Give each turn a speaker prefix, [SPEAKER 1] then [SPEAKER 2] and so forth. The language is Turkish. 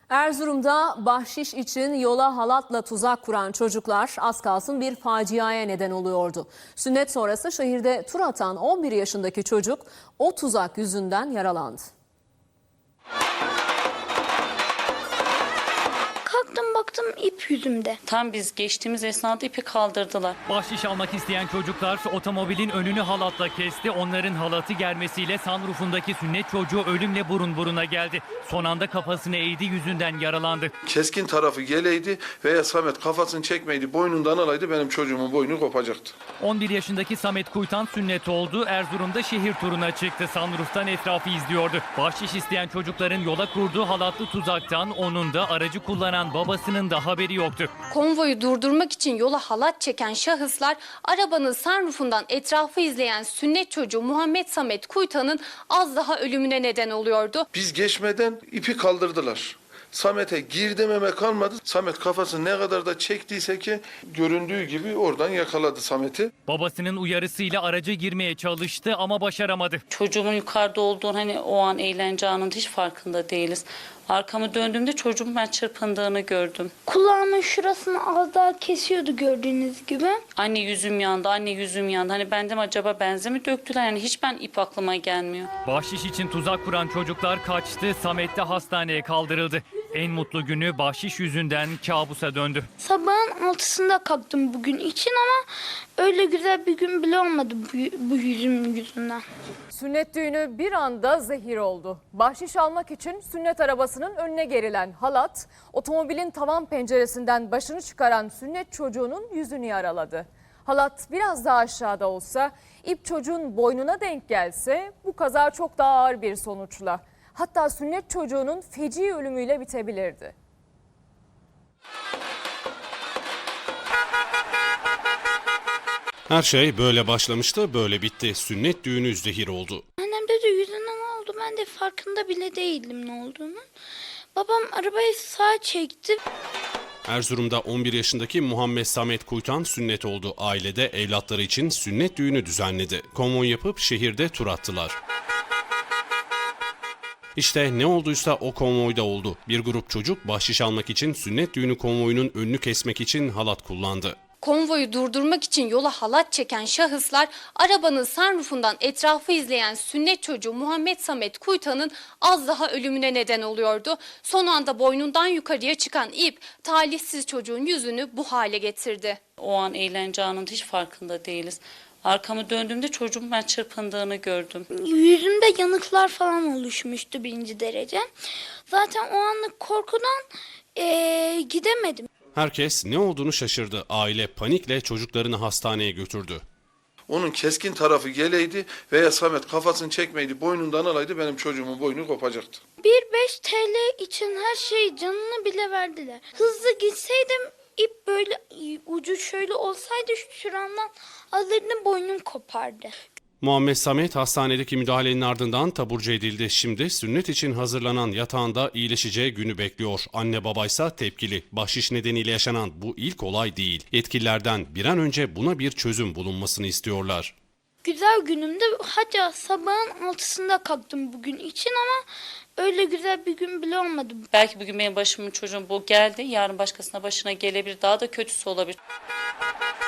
[SPEAKER 1] Erzurum'da bahşiş için yola halatla tuzak kuran çocuklar az kalsın bir faciaya neden oluyordu. Sünnet sonrası şehirde tur atan 11 yaşındaki çocuk o tuzak yüzünden yaralandı.
[SPEAKER 2] Kalktım baktım ip yüzümde.
[SPEAKER 3] Tam biz geçtiğimiz esnada ipi kaldırdılar.
[SPEAKER 4] Bahşiş almak isteyen çocuklar otomobilin önünü halatla kesti. Onların halatı germesiyle sunroofundaki sünnet çocuğu ölümle burun buruna geldi. Son anda kafasını eğdi, yüzünden yaralandı.
[SPEAKER 5] Keskin tarafı geleydi veya Samet kafasını çekmeydi, boynundan alaydı benim çocuğumun boynu kopacaktı.
[SPEAKER 4] 11 yaşındaki Samet Kuytan sünnet oldu. Erzurum'da şehir turuna çıktı. Sunroof'tan etrafı izliyordu. Bahşiş isteyen çocukların yola kurduğu halatlı tuzaktan onun da aracı kullanan babasının da haberi yoktu.
[SPEAKER 6] Konvoyu durdurmak için yola halat çeken şahıslar arabanın sunroofundan etrafı izleyen sünnet çocuğu Muhammed Samet Kuytan'ın az daha ölümüne neden oluyordu.
[SPEAKER 5] Biz geçmeden ipi kaldırdılar. Samet'e gir dememe kalmadı. Samet kafasını ne kadar da çektiyse ki göründüğü gibi oradan yakaladı Samet'i.
[SPEAKER 4] Babasının uyarısıyla araca girmeye çalıştı ama başaramadı.
[SPEAKER 3] Çocuğumun yukarıda olduğunu hani o an eğlence anında hiç farkında değiliz. Arkamı döndüğümde çocuğumun ben çırpındığını gördüm.
[SPEAKER 2] Kulağımın şurasını az daha kesiyordu gördüğünüz gibi.
[SPEAKER 3] Anne yüzüm yandı, anne yüzüm yandı. Hani benden acaba benze mi döktüler? Yani hiç ben ip aklıma gelmiyor.
[SPEAKER 4] Bahşiş için tuzak kuran çocuklar kaçtı. Samet de hastaneye kaldırıldı. En mutlu günü bahşiş yüzünden kabusa döndü.
[SPEAKER 2] Sabahın 6'sında kalktım bugün için ama öyle güzel bir gün bile olmadı bu yüzüm yüzünden.
[SPEAKER 7] Sünnet düğünü bir anda zehir oldu. Bahşiş almak için sünnet arabasının önüne gerilen halat, otomobilin tavan penceresinden başını çıkaran sünnet çocuğunun yüzünü yaraladı. Halat biraz daha aşağıda olsa, ip çocuğun boynuna denk gelse bu kaza çok daha ağır bir sonuçla. Hatta sünnet çocuğunun feci ölümüyle bitebilirdi.
[SPEAKER 8] Her şey böyle başlamıştı, böyle bitti. Sünnet düğünü zehir oldu.
[SPEAKER 2] Annem dedi yüzüne ne oldu, ben de farkında bile değildim ne olduğunu. Babam arabayı sağa çekti.
[SPEAKER 8] Erzurum'da 11 yaşındaki Muhammed Samet Kuytan sünnet oldu. Ailede evlatları için sünnet düğünü düzenledi. Konvoy yapıp şehirde tur attılar. İşte ne olduysa o konvoyda oldu. Bir grup çocuk bahşiş almak için sünnet düğünü konvoyunun önünü kesmek için halat kullandı.
[SPEAKER 6] Konvoyu durdurmak için yola halat çeken şahıslar arabanın sunroofundan etrafı izleyen sünnet çocuğu Muhammed Samet Kuytan'ın az daha ölümüne neden oluyordu. Son anda boynundan yukarıya çıkan ip talihsiz çocuğun yüzünü bu hale getirdi.
[SPEAKER 3] O an eğlence anında hiç farkında değiliz. Arkamı döndüğümde çocuğumun ben çırpındığını gördüm.
[SPEAKER 2] Yüzümde yanıklar falan oluşmuştu 1. derece. Zaten o anlık korkudan gidemedim.
[SPEAKER 8] Herkes ne olduğunu şaşırdı. Aile panikle çocuklarını hastaneye götürdü.
[SPEAKER 5] Onun keskin tarafı geleydi veya Samet kafasını çekmeydi, boynundan alaydı benim çocuğumun boynu kopacaktı.
[SPEAKER 2] 1-5 TL için her şey canını bile verdiler. Hızlı gitseydim ip böyle ucu şöyle olsaydı şuramdan alırdım boynum kopardı.
[SPEAKER 8] Muhammed Samet hastanedeki müdahalenin ardından taburcu edildi. Şimdi sünnet için hazırlanan yatağında iyileşeceği günü bekliyor. Anne babaysa tepkili. Bahşiş nedeniyle yaşanan bu ilk olay değil. Yetkililerden bir an önce buna bir çözüm bulunmasını istiyorlar.
[SPEAKER 2] Güzel günümde hatta sabahın 6'sında kalktım bugün için ama öyle güzel bir gün bile olmadı.
[SPEAKER 3] Belki bugün benim başımın çocuğum bu geldi. Yarın başkasına başına gelebilir. Daha da kötüsü olabilir.